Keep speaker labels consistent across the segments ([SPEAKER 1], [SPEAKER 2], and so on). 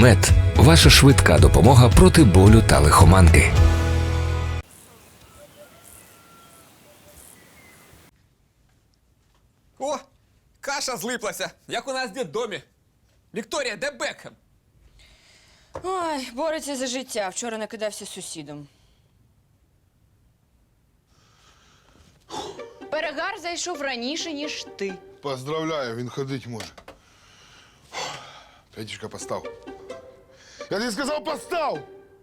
[SPEAKER 1] Мед – ваша швидка допомога проти болю та лихоманки.
[SPEAKER 2] О, каша злиплася, як у нас в дитдомі. Вікторія, де Бекхем?
[SPEAKER 3] Ой, бореться за життя. Вчора накидався з сусідом. Перегар зайшов раніше, ніж ти.
[SPEAKER 4] Поздравляю, він ходить може. Петюшка, постав. Я тобі сказав, постав!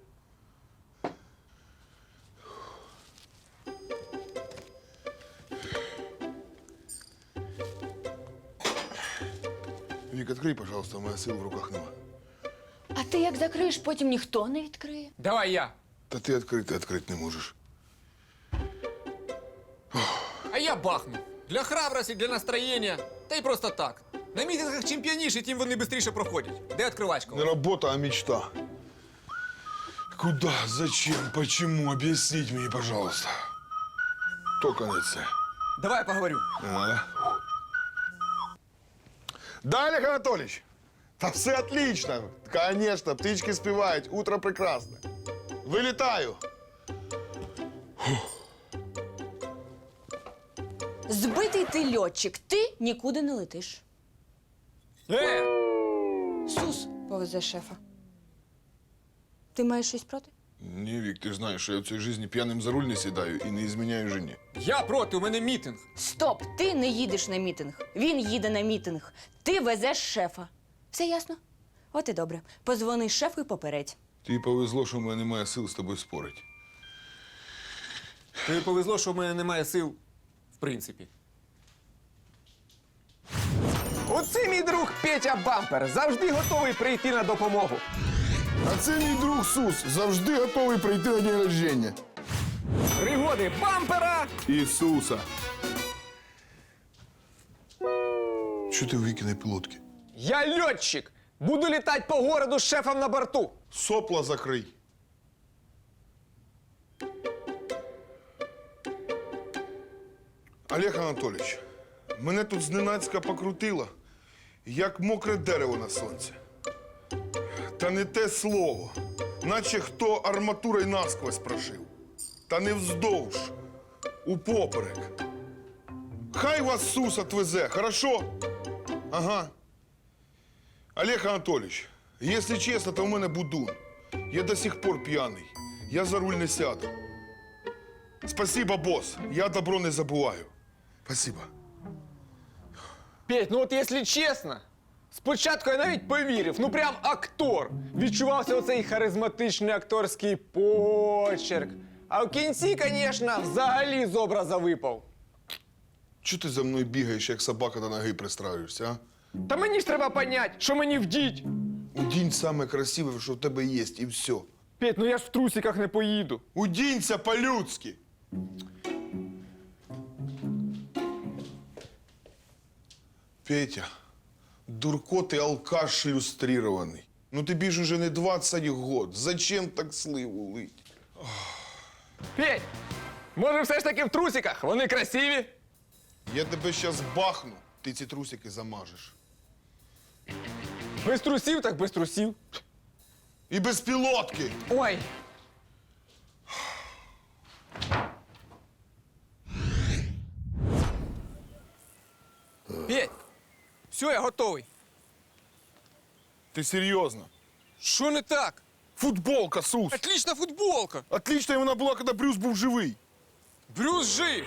[SPEAKER 4] Вік, відкрий, пожалуйста, у мене сил в руках нема.
[SPEAKER 3] А ти як закриєш, потім ніхто не відкриє.
[SPEAKER 2] Давай я.
[SPEAKER 4] Та ти відкрити не можеш.
[SPEAKER 2] А я бахну. Для храбрості, для настроєння. Та й просто так. На мітингах чим п'яніші, тим вони швидше проходять. Де відкривачка?
[SPEAKER 4] Не робота, а мечта. Куда? Зачем? Почему? Объясните мне, пожалуйста. Только не це.
[SPEAKER 2] Давай я поговорю.
[SPEAKER 4] Не надо. Да, Олег Анатольевич? Да все отлично. Конечно, птички спевают. Утро прекрасное. Вылетаю.
[SPEAKER 3] Збитий ти льотчик, ти нікуди не летиш. Сус повезе шефа. Ти маєш щось проти?
[SPEAKER 4] Не, Вик, ты знаешь, что я в цій житті п'яним за руль не сідаю і не изменяю жені.
[SPEAKER 2] Я проти, у мене мітинг.
[SPEAKER 3] Стоп! Ти не їдеш на мітинг. Він їде на мітинг. Ти везеш шефа. Все ясно? От і добре. Позвони шефу і попередь.
[SPEAKER 4] Тобі повезло, що в мене немає сил з тобою спорити.
[SPEAKER 2] Тобі повезло, що в мене немає сил, в принципі. Оце мій друг Петя Бампер. Завжди готовий прийти на допомогу.
[SPEAKER 4] А це мій друг Сус, завжди готовий прийти на день рождения.
[SPEAKER 2] Пригоди Бампера!
[SPEAKER 4] Ісуса. Що ти у Вікіної пілотки?
[SPEAKER 2] Я льотчик. Буду літати по городу з шефом на борту.
[SPEAKER 4] Сопла закрий. Олег Анатолійович, мене тут зненацька покрутило, як мокре дерево на сонці. Та не те слово, наче хто арматурою насквозь прошив. Та не вздовж, упоперек. Хай вас Сус отвезе, хорошо? Ага. Олег Анатольевич, если честно, то у мене будун. Я до сих пор п'яний. Я за руль не сяду. Спасибо, босс. Я добро не забуваю. Спасибо.
[SPEAKER 2] Петь, ну от якщо чесно, спочатку я навіть повірив, ну прям актор. Відчувався оцей харизматичний акторський почерк. А в кінці, звісно, взагалі з образа випав.
[SPEAKER 4] Чого ти за мною бігаєш, як собака до ноги пристраюєшся, а?
[SPEAKER 2] Та мені ж треба понять, що мені вдіть.
[SPEAKER 4] Удінь саме красиве, що в тебе є, і все.
[SPEAKER 2] Петь, ну я ж в трусиках не поїду.
[SPEAKER 4] Удінься по-людськи. Петя, дурко ти алкаш ілюстрирований. Ну тобі ж уже не 20 год. Зачем так сливу лить?
[SPEAKER 2] Петь, може все ж таки в трусиках? Вони красиві.
[SPEAKER 4] Я тебе щас бахну, ти ці трусики замажеш.
[SPEAKER 2] Без трусів, так без трусів.
[SPEAKER 4] І без пілотки.
[SPEAKER 2] Ой. Петь, все, я готовий.
[SPEAKER 4] Ти серйозно?
[SPEAKER 2] Що не так?
[SPEAKER 4] Футболка, Сус.
[SPEAKER 2] Отлична футболка.
[SPEAKER 4] Отлічна вона була, коли Брюс був живий.
[SPEAKER 2] Брюс жив.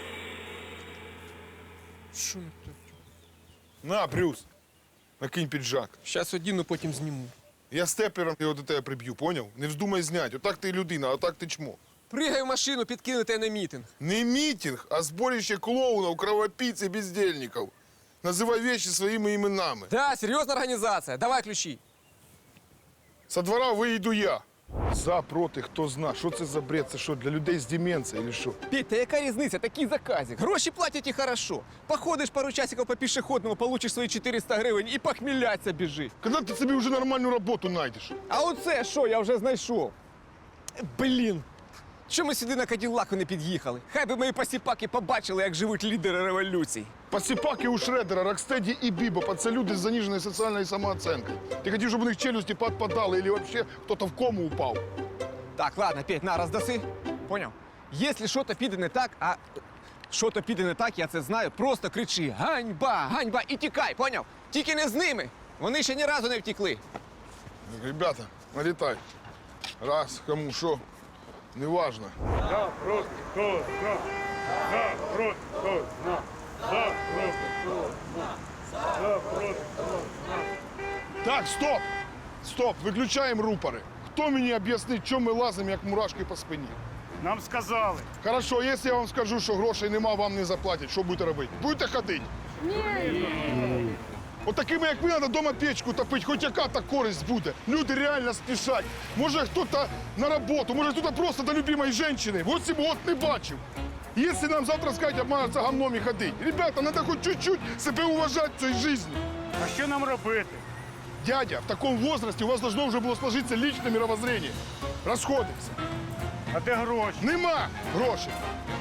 [SPEAKER 2] Що не так?
[SPEAKER 4] На, Брюс, накинь піджак.
[SPEAKER 2] Щас одіну, потім зніму.
[SPEAKER 4] Я степлером його до тебе приб'ю, поняв? Не вздумай зняти. Отак ти людина, а так ти чмо.
[SPEAKER 2] Пригай в машину, підкинете на мітинг.
[SPEAKER 4] Не мітинг, а зборище клоунів, кровопійць і бездельників. Називай вещи своїми іменами.
[SPEAKER 2] Да, серйозна організація. Давай ключі.
[SPEAKER 4] Со двора виїду я. За, проти, хто зна. Що це за бред? Це що, для людей з деменцією, чи що?
[SPEAKER 2] Петь, та яка різниця? Такий заказик. Гроші платять і хорошо. Походиш пару часиків по пішохідному, получиш свої 400 гривень і похміляться біжи.
[SPEAKER 4] Коли ти собі вже нормальну роботу знайдеш?
[SPEAKER 2] А оце що, я вже знайшов. Блін. Що ми сюди на Каділлаку не під'їхали? Хай би мої посіпаки побачили, як живуть лідери революцій.
[SPEAKER 4] Посіпаки у Шредера, Рокстеді і Бібопа – це люди з заниженою соціальною самооцінкою. Ти хотів, щоб у них челюсті підпадали, або взагалі хтось в кому упав.
[SPEAKER 2] Так, ладно, Петь, на, роздаси. Поняв? Якщо щось піде не так, а щось піде не так, я це знаю, просто кричи «Ганьба! Ганьба!» і тікай, поняв? Тільки не з ними. Вони ще ні разу не втекли.
[SPEAKER 4] Ребята, налітай. Раз, кому що, неважно.
[SPEAKER 5] За проти хто зна, за проти хто зна, за проти хто зна, за проти хто зна.
[SPEAKER 4] Так, стоп! Стоп, виключаємо рупори. Хто мені об'яснить, чому ми лазимо, як мурашки по спині?
[SPEAKER 5] Нам сказали.
[SPEAKER 4] Хорошо, якщо я вам скажу, що грошей нема, вам не заплатять, що будете робити? Будете ходити? Ні. От такими, як ви, треба вдома печку топити, хоч яка та користь буде. Люди реально спішать. Може, хтось на роботу, може, хтось просто до любимої жінки. 8 років не бачив. Якщо нам завтра скажуть, обмануться гамном і ходити. Ребята, треба хоч чуть-чуть себе уважати в цій житті.
[SPEAKER 5] А що нам робити?
[SPEAKER 4] Дядя, в такому возрасте у вас должно вже було сложитися личне мировоззрение. Розходимося.
[SPEAKER 5] А де гроші?
[SPEAKER 4] Нема грошей.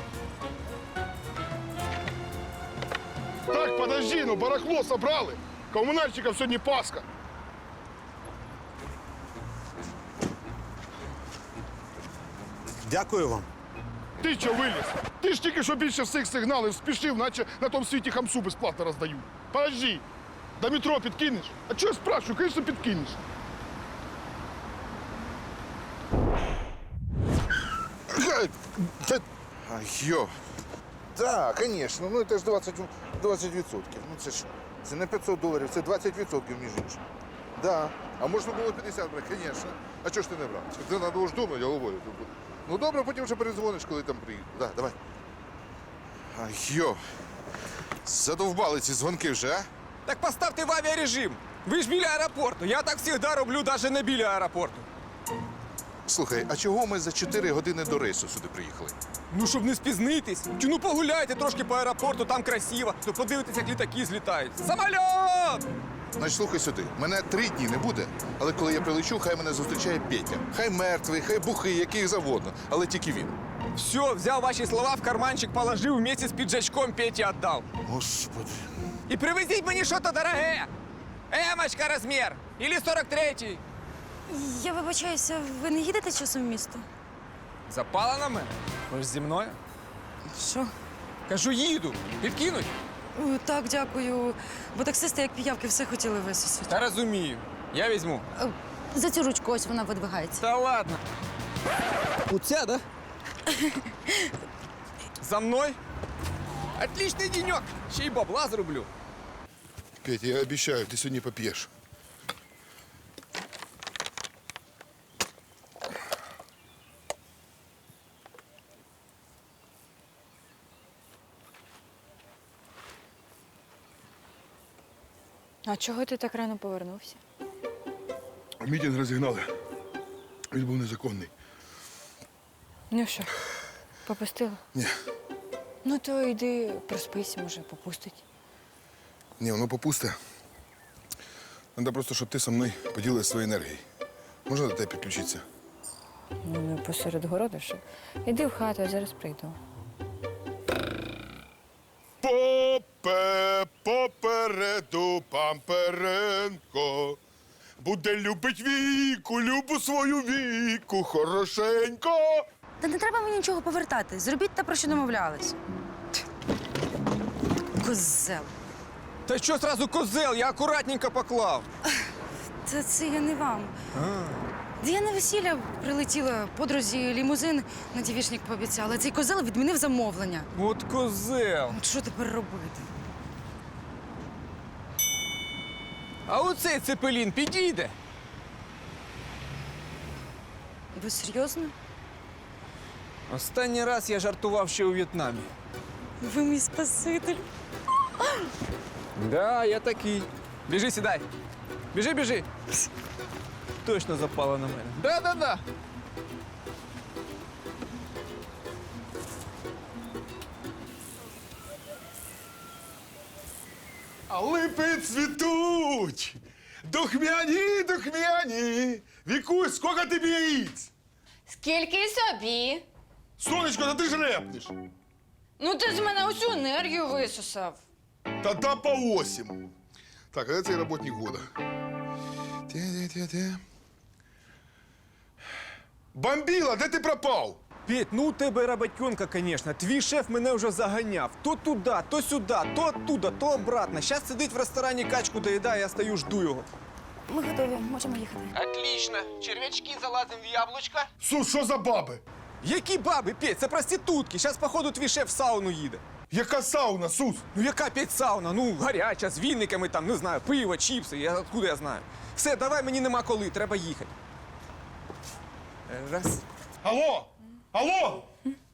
[SPEAKER 4] Так, подожди, ну барахло собрали. Комунальщиків сьогодні Пасха.
[SPEAKER 6] Дякую вам.
[SPEAKER 4] Ти що виліз? Ти ж тільки що більше всіх сигналів спішив, наче на тому світі хамсу безплатно роздають. Подожди, до метро підкинеш? А чого я спрашиваю? Конечно, підкинеш.
[SPEAKER 7] Йо. Так, звісно, ну це ж 20%. Ну це ж це не $500, це 20%, між іншим. Да. А можна було 50 брати, звісно. А чого ж ти не брав? Ти треба ж думати головою. Ну добре, потім вже перезвониш, коли там приїду. Да, давай. Йо. Задовбали ці дзвонки вже, а?
[SPEAKER 2] Так поставте в авіарежим. Ви ж біля аеропорту. Я так завжди роблю, навіть не біля аеропорту.
[SPEAKER 7] Слухай, а чого ми за 4 години до рейсу сюди приїхали?
[SPEAKER 2] Ну, щоб не спізнитись. Чи ну погуляйте трошки по аеропорту, там красиво. То подивитесь, як літаки злітають. Самольот!
[SPEAKER 7] Значить, слухай сюди, мене 3 дні не буде, але коли я прилечу, хай мене зустрічає Петя. Хай мертвий, хай бухий, який завгодно, але тільки він.
[SPEAKER 2] Все, взяв ваші слова в карманчик, положив, вместе з піджачком Петі віддав.
[SPEAKER 7] Господи.
[SPEAKER 2] І привезіть мені щось дороге. Емочка розмір. Ілі 43-й.
[SPEAKER 8] Я вибачаюся, ви не їдете часом в місто?
[SPEAKER 2] Запала на мене? Ви ж зі мною?
[SPEAKER 8] Що?
[SPEAKER 2] Кажу, їду. Підкинуть?
[SPEAKER 8] Так, дякую. Бо таксисти, як піявки, все хотіли висосати.
[SPEAKER 2] Та розумію. Я візьму.
[SPEAKER 8] За цю ручку ось вона видвигається.
[SPEAKER 2] Та ладно. Оця, да? За мною? Отличний денек. Ще й бабла зроблю.
[SPEAKER 4] Петя, я обіцяю, ти сьогодні поп'єш.
[SPEAKER 8] А чого ти так рано повернувся?
[SPEAKER 4] Мітинг розігнали. Він був незаконний.
[SPEAKER 8] Ну що, попустила?
[SPEAKER 4] Ні.
[SPEAKER 8] Ну то йди проспися, може, попустить.
[SPEAKER 4] Ні, воно попусте. Треба просто, щоб ти со мною поділилась своєю енергією. Можна до тебе підключитися?
[SPEAKER 8] Ну, не посеред городу ще. Іди в хату, я зараз прийду.
[SPEAKER 4] Попереду Памперенко буде любить віку, любу свою віку, хорошенько.
[SPEAKER 8] Та не треба мені нічого повертати. Зробіть те, про що домовлялись. Козел.
[SPEAKER 2] Та що зразу козел? Я акуратненько поклав.
[SPEAKER 8] Та це я не вам. Я на весілля прилетіла подрузі лімузин на дівішник пообіцяла. Цей козел відмінив замовлення.
[SPEAKER 2] От козел.
[SPEAKER 8] От що тепер робити?
[SPEAKER 2] А оцей цепелін підійде.
[SPEAKER 8] Ви серйозно?
[SPEAKER 2] Останній раз я жартував ще у В'єтнамі.
[SPEAKER 8] Ви мій спаситель.
[SPEAKER 2] Да, я такий. Біжи, сідай. Біжи, біжи. Точно запала на мене. Да.
[SPEAKER 4] А липи цвітуть, духмяні. Вікусь, скільки тобі яїць?
[SPEAKER 3] Скільки собі?
[SPEAKER 4] Сонечко, та ти ж репнеш.
[SPEAKER 8] Ну ти з мене усю енергію висосав.
[SPEAKER 4] Та по 8. Так, а де цей роботник года? Те. Бомбіла, де ти пропав?
[SPEAKER 2] Петь, ну у тебе роботенка, звісно. Твій шеф мене вже заганяв. То туди, то сюди, то оттуда, то обратно. Зараз сидить в ресторані, качку доїдає, я стою, жду його.
[SPEAKER 8] Ми готові, можемо їхати.
[SPEAKER 2] Отлично. Черв'ячки залазимо в яблучко.
[SPEAKER 4] Сус, що за баби?
[SPEAKER 2] Які баби, Петь? Це проститутки. Зараз, походу, твій шеф в сауну їде.
[SPEAKER 4] Яка сауна, Сус?
[SPEAKER 2] Ну яка Петь сауна? Ну, гаряча, з віниками, там, не знаю, пиво, чіпси. Откуда я знаю? Все, давай, мені нема коли, треба їхати. Раз.
[SPEAKER 4] Алло! Алло!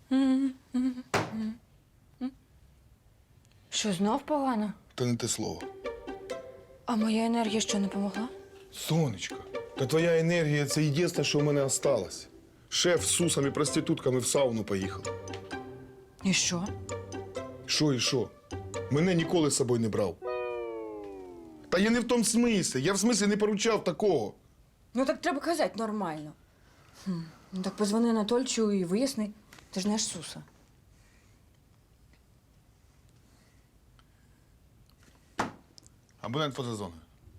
[SPEAKER 8] Що, знов погано?
[SPEAKER 4] Та не те слово.
[SPEAKER 8] А моя енергія що, не помогла?
[SPEAKER 4] Сонечко, та твоя енергія це єдине, що в мене осталось. Шеф з Сусом і проститутками в сауну поїхав.
[SPEAKER 8] І що?
[SPEAKER 4] Що і що? Мене ніколи з собою не брав. Та я не в тому смислі. Я в смислі не поручав такого.
[SPEAKER 3] Ну так треба казати нормально. Ну так позвони Анатольчу і виясни. Ти ж не аж Суса.
[SPEAKER 4] Абонент фотозони.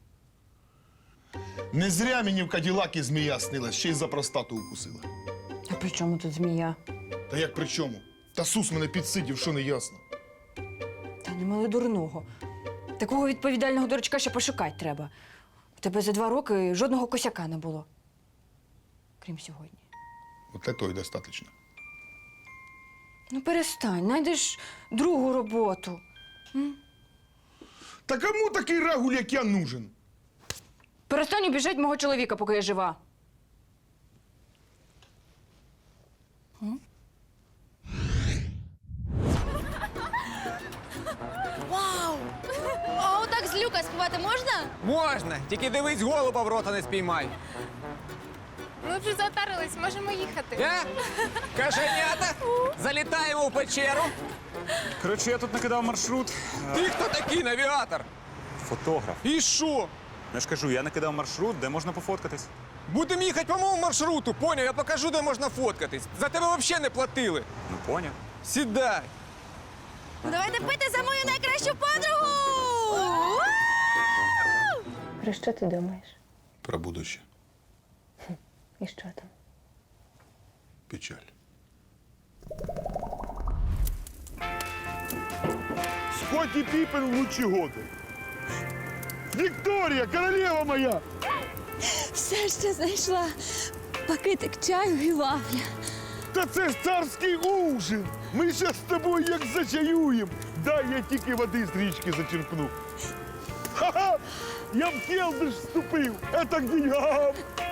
[SPEAKER 4] Не зря мені в Каділакі змія снилась, ще й за простату укусила.
[SPEAKER 3] А при чому тут змія?
[SPEAKER 4] Та як при чому? Та Сус мене підсидів, що не ясно.
[SPEAKER 3] Та не мали дурного. Такого відповідального дурачка ще пошукати треба. У тебе за 2 роки жодного косяка не було. Крім сьогодні.
[SPEAKER 4] От для того й достатньо.
[SPEAKER 3] Ну перестань, знайдеш другу роботу.
[SPEAKER 4] Та кому такий рагуль, як я, нужен?
[SPEAKER 3] Перестань обіжати мого чоловіка, поки я жива.
[SPEAKER 6] Вау! А отак з люка співати можна?
[SPEAKER 2] Можна, тільки дивись, голуба в рота не спіймай.
[SPEAKER 6] Ми вже затарились, можемо їхати.
[SPEAKER 2] Кашенята, залітаємо в печеру.
[SPEAKER 5] Коротше, я тут накидав маршрут.
[SPEAKER 2] Ти хто такий навігатор?
[SPEAKER 5] Фотограф.
[SPEAKER 2] І що?
[SPEAKER 5] Я ж кажу, я накидав маршрут, де можна пофоткатись.
[SPEAKER 2] Будемо їхати по моєму маршруту, поняв? Я покажу, де можна фоткатись. За тебе взагалі не платили.
[SPEAKER 5] Ну, поняв.
[SPEAKER 2] Сідай.
[SPEAKER 6] Ну давайте пити за мою найкращу подругу!
[SPEAKER 3] Про що ти думаєш?
[SPEAKER 4] Про будуще.
[SPEAKER 3] І що там?
[SPEAKER 4] Печаль. Скотті Піпен в лучі годи. Вікторія, королева моя!
[SPEAKER 6] Все, що знайшла. Пакетик чаю і вафля.
[SPEAKER 4] Та це ж царський ужин! Ми ще з тобою як зачаюємо. Дай я тільки води з річки зачерпну. Ха-ха! Я в келдиш вступив! Это к деньгам!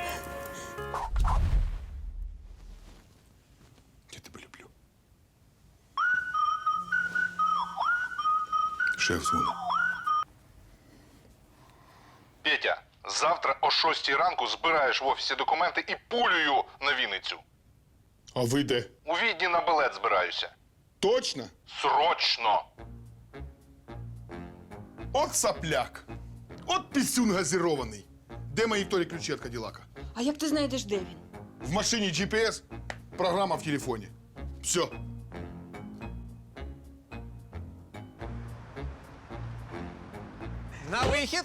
[SPEAKER 4] Я тебе люблю. Шеф дзвонить.
[SPEAKER 7] Петя, завтра о 6 ранку збираєш в офісі документи і пулею на Вінницю.
[SPEAKER 4] А ви де?
[SPEAKER 7] У Відні на білет збираюся.
[SPEAKER 4] Точно?
[SPEAKER 7] Срочно!
[SPEAKER 4] От сопляк! От пісюн газірований. Де мої Вікторії ключі від Каділака?
[SPEAKER 3] А як ти знайдеш, де він?
[SPEAKER 4] В машині GPS, програма в телефоні. Все.
[SPEAKER 2] На вихід.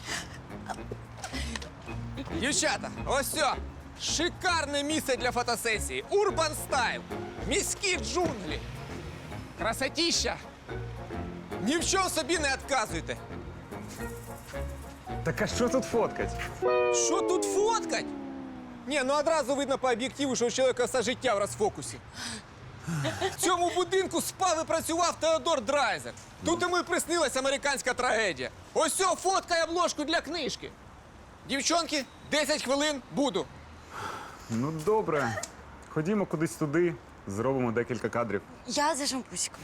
[SPEAKER 2] Дівчата, ось все. Шикарне місце для фотосесії. Урбан стайл. Міські джунглі. Красотіща. Ні в чому собі не відказуйте.
[SPEAKER 5] Так а що тут фоткать?
[SPEAKER 2] Що тут фоткать? Ні, ну одразу видно по об'єктиву, що у чоловіка все життя в розфокусі. В цьому будинку спав і працював Теодор Драйзер. Тут йому і приснилась американська трагедія. Ось цього фоткає обложку для книжки. Дівчонки, 10 хвилин буду.
[SPEAKER 5] Ну, добре. Ходімо кудись туди, зробимо декілька кадрів.
[SPEAKER 8] Я за шампусиком.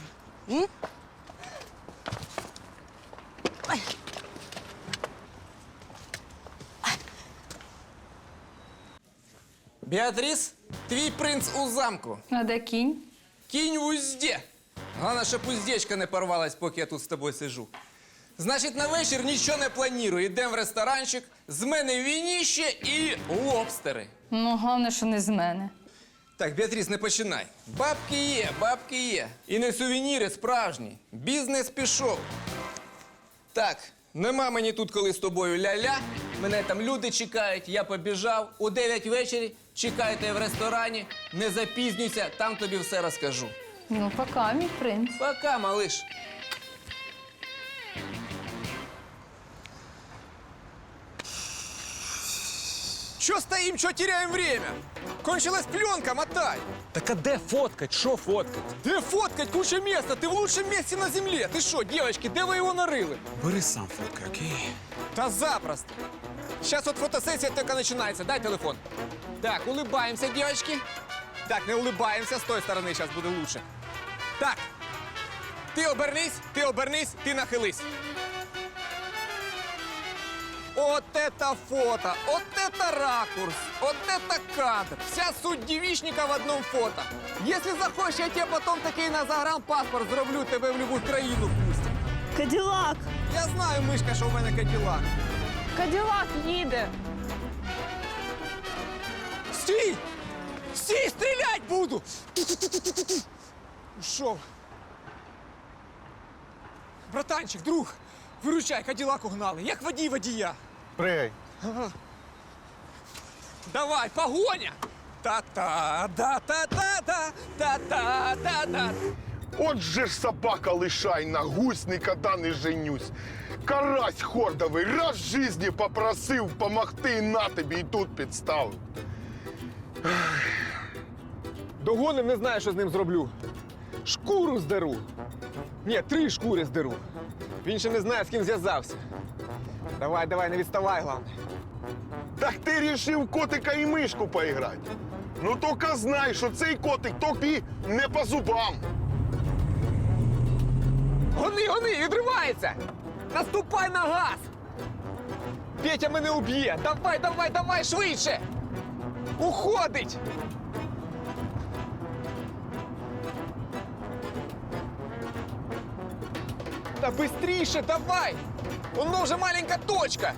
[SPEAKER 2] Біатріс, твій принц у замку.
[SPEAKER 8] А де кінь?
[SPEAKER 2] Кінь в узді. Головне, щоб уздечка не порвалась, поки я тут з тобою сижу. Значить, на вечір нічого не планую. Йдемо в ресторанчик, з мене вініще і лобстери.
[SPEAKER 8] Ну, головне, що не з мене.
[SPEAKER 2] Так, Біатріс, не починай. Бабки є. І не сувеніри справжні. Бізнес пішов. Так, нема мені тут коли з тобою ля-ля. Мене там люди чекають, я побіжав. У 9 вечері чекайте в ресторані. Не запізнюйся, там тобі все розкажу.
[SPEAKER 9] Ну, пока, мій принц.
[SPEAKER 2] Пока, малыш. Чё стоим, чё теряем время? Кончилась пленка, мотай.
[SPEAKER 10] Так а де фоткать? Що фоткать?
[SPEAKER 2] Де фоткать, куча места, ты в лучшем месте на земле. Ты что, девочки, де ви його нарили?
[SPEAKER 10] Бери сам фоткай, окей?
[SPEAKER 2] Да запросто. Сейчас вот фотосессия только начинается. Дай телефон. Так, улыбаемся, девочки. Так, не улыбаемся, с той стороны сейчас буде лучше. Так, ти обернись, ти нахились. Вот это фото, вот это ракурс, вот это кадр. Вся суть девичника в одном фото. Если захочешь, я тебе потом такий на загранпаспорт зроблю, тебе в любую країну пустять.
[SPEAKER 6] Каділак!
[SPEAKER 2] Я знаю, мишка, що в мене Каділак.
[SPEAKER 9] Каділак їде.
[SPEAKER 2] Стій! Стій, стрілять буду! Ушов. Братанчик, друг, виручай, Каділак угнали, як водій водія.
[SPEAKER 7] Пригай.
[SPEAKER 2] Давай, погоня! Та-та, да-та-та-та, та-та-та-та.
[SPEAKER 4] От же ж собака лишайна, гусь никогда не женюсь. Карась хордовий раз в житті попросив помогти і на тобі, і тут підставив.
[SPEAKER 2] Догоним, не знаю, що з ним зроблю. Шкуру здеру. Ні, 3 шкури здеру. Він ще не знає, з ким зв'язався. Давай, давай, не відставай, головне.
[SPEAKER 4] Так ти рішив котика і мишку поіграти. Ну тільки знай, що цей котик тобі не по зубам.
[SPEAKER 2] Гони, відривається! Наступай на газ! Петя мене уб'є! Давай, швидше! Уходить! Та быстріше, давай! Воно вже маленька точка!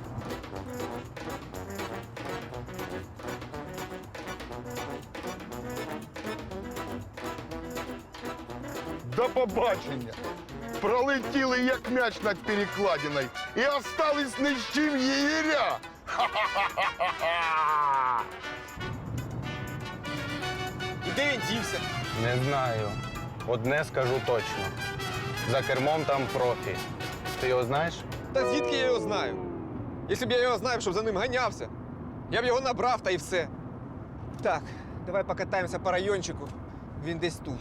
[SPEAKER 4] До побачення. Пролетіли, як м'яч над перекладиною, і остались ні з чим єгеря. Ха-ха-ха-ха-ха!
[SPEAKER 2] І де він дівся?
[SPEAKER 11] Не знаю. Одне скажу точно. За кермом там профі. Ти його знаєш?
[SPEAKER 2] Та звідки я його знаю? Якщо б я його знав, щоб за ним ганявся, я б його набрав та і все. Так, давай покатаємося по райончику. Він десь тут.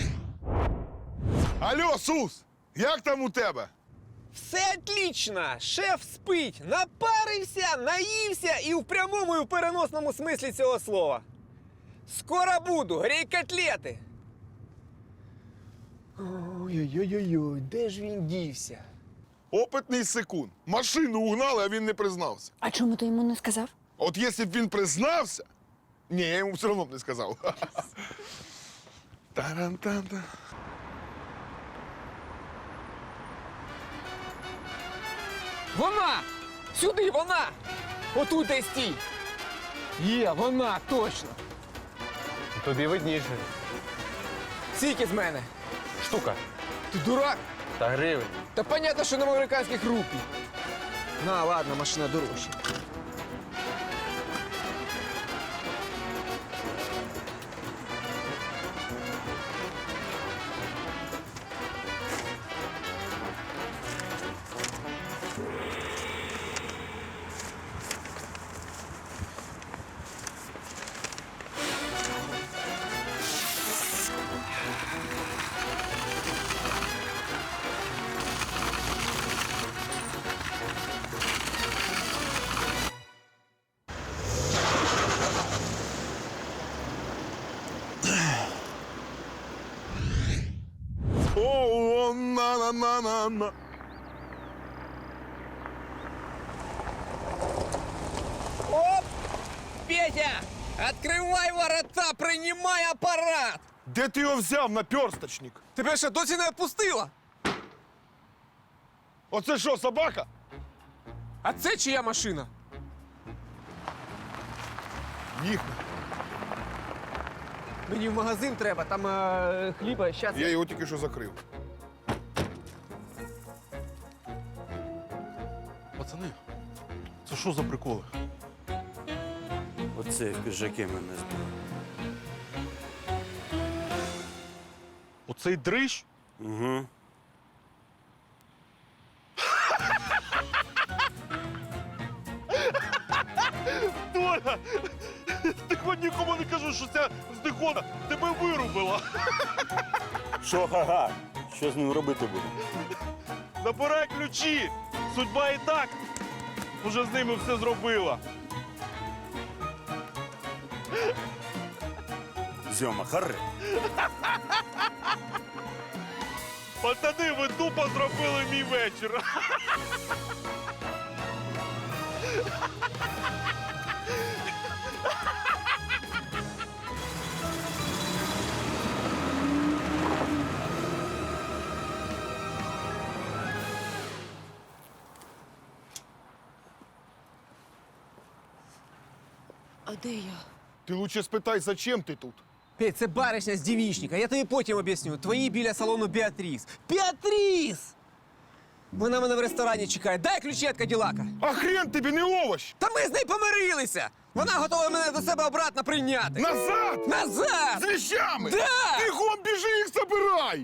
[SPEAKER 4] Алло, Сус, як там у тебе?
[SPEAKER 2] Все отлично! Шеф спить, напарився, наївся і в прямому і в переносному смислі цього слова. Скоро буду, грій котлети. Ой-ой-ой, де ж він дівся?
[SPEAKER 4] Опитний секунд. Машину угнали, а він не признався.
[SPEAKER 3] А чому ти йому не сказав?
[SPEAKER 4] От якщо б він признався, ні, я йому все одно б не сказав. Таран-тан-тан.
[SPEAKER 2] Вона! Сюди, вона! Отут десь стій! Є, вона, точно!
[SPEAKER 11] Тобі видніше.
[SPEAKER 2] Скільки з мене?
[SPEAKER 11] Штука.
[SPEAKER 2] Ти дурак?
[SPEAKER 11] Та гривень.
[SPEAKER 2] Та понятно, що на американських рупій. На, ладно, машина дорожча.
[SPEAKER 4] О, на-на-на-на-на.
[SPEAKER 2] Оп! Петя! Открывай ворота, принимай аппарат!
[SPEAKER 4] Де ти його взяв, наперсточник?
[SPEAKER 2] Тебе ще досі не відпустила?
[SPEAKER 4] Оце що, собака?
[SPEAKER 2] А це чия машина?
[SPEAKER 4] Їхня.
[SPEAKER 2] Мені в магазин треба, там хліба, щас.
[SPEAKER 4] Я його тільки що закрив.
[SPEAKER 5] Пацани, це що за приколи?
[SPEAKER 10] Оце в піджаки мене збив.
[SPEAKER 5] Оцей дрищ?
[SPEAKER 10] Угу.
[SPEAKER 5] Толя! Ти хоч нікому не кажу, що ця здихона тебе вирубила.
[SPEAKER 10] Що, га-га? Що з ним робити буду?
[SPEAKER 5] Забирай ключі! Судьба і так уже з ними все зробила.
[SPEAKER 10] Зьома, харе.
[SPEAKER 5] Пацани, ви тупо зробили мій вечір.
[SPEAKER 8] А де я?
[SPEAKER 4] Ти лучше спитай, зачем ти тут?
[SPEAKER 2] Петь, це баришня з дівічника. Я тобі потім об'ясню. Твої біля салону Біатріс. Біатріс! Вона мене в ресторані чекає. Дай ключі від Каділака.
[SPEAKER 4] А хрен тобі не овощ!
[SPEAKER 2] Та ми з нею помирилися! Вона готова мене до себе обратно прийняти.
[SPEAKER 4] Назад!
[SPEAKER 2] Назад!
[SPEAKER 4] З вещами!
[SPEAKER 2] Да!
[SPEAKER 4] Бігом біжи їх забирай!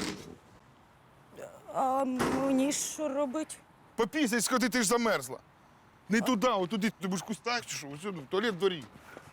[SPEAKER 8] А мені що робить?
[SPEAKER 4] Попісяй, сходи, ти ж замерзла. Не туди, отуди. Ти будеш в кустах чи що? Ось сюди, в туалет в дворі.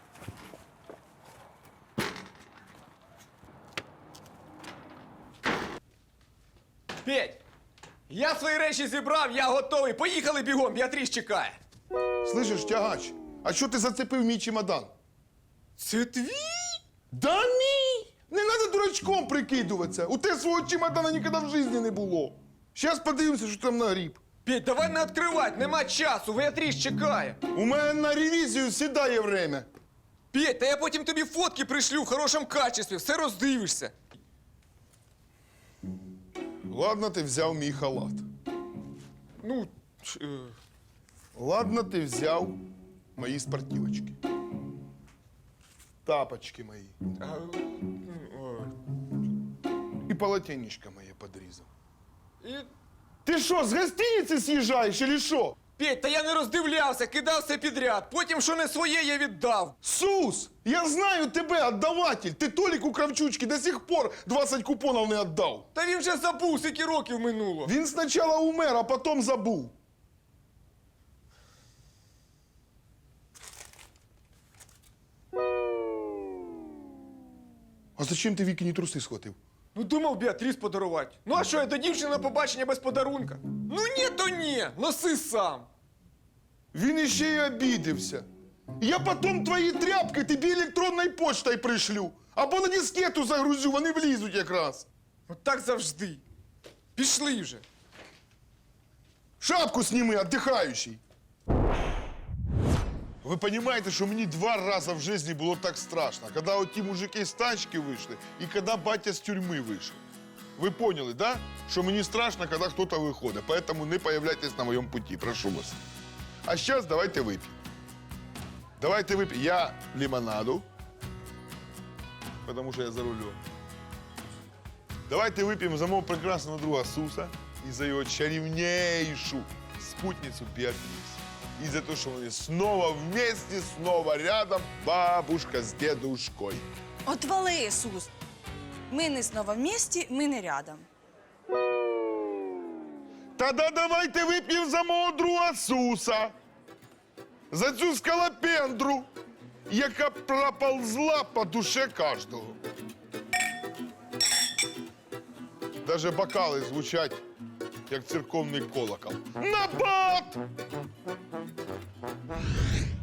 [SPEAKER 2] Петь! Я свої речі зібрав, я готовий. Поїхали бігом, Біатріс чекає.
[SPEAKER 4] Слышиш, тягач, а що ти зацепив мій чемодан?
[SPEAKER 2] Це твій?
[SPEAKER 4] Да мій! Не треба дурачком прикидуватися. У тебе свого чемодана ніколи в житті не було. Щас подивимося, що там нагріб.
[SPEAKER 2] Петь, давай не відкривати, нема часу, Біатріс чекає.
[SPEAKER 4] У мене на ревізію сідає время.
[SPEAKER 2] Петь, та я потім тобі фотки пришлю в хорошому качестві, все роздивишся.
[SPEAKER 4] Ладно, ти взяв мій халат.
[SPEAKER 2] Ну,
[SPEAKER 4] Ладно, ти взяв мої спортивочки. Тапочки мої. І полотенечко моє подрізав.
[SPEAKER 2] і...
[SPEAKER 4] Ти що, з гостиниці з'їжджаєш, чи що?
[SPEAKER 2] Петь, та я не роздивлявся, кидав все підряд. Потім, що не своє, я віддав.
[SPEAKER 4] Сус, я знаю тебе, отдаватель. Ти Толіку Кравчучки до сих пор 20 купонів не віддав.
[SPEAKER 2] Та він вже забув, скільки років минуло.
[SPEAKER 4] Він спочатку умер, а потім забув. А зачем ти Вікіні труси схватив?
[SPEAKER 2] Ну, думав Біатріс подарувати. Ну, а що, я до дівчини на побачення без подарунка? Ну, ні, то ні, носи сам.
[SPEAKER 4] Він іще й обідився. Я потім твої тряпки тобі електронною почтою пришлю. Або на дискету загрузю, вони влізуть якраз.
[SPEAKER 2] От так завжди. Пішли вже.
[SPEAKER 4] Шапку сніми, отдыхающий. Ви розумієте, що мені 2 рази в житті було так страшно, коли оті мужики з тачки вийшли і коли батя з тюрми вийшов. Ви поняли, да? Що мені страшно, коли хтось виходить, поэтому не появляйтесь на моєму путі, прошу вас. А зараз давайте вип'ємо. Давайте вип'ємо. Я лимонаду, тому що я за рулем. Давайте выпьем за моего прекрасного друга Суса и за его чарівнейшу спутницу Беатрис. И за то, что они снова вместе, снова рядом, бабушка с дедушкой.
[SPEAKER 8] Отвали, Ісус. Ми не знову в місті, ми не рядом.
[SPEAKER 4] Тогда давайте выпьем за мого друга Суса. За цю скалопендру, яка проползла по душе кожного. Даже бокали звучать, як церковний колокол. На бат!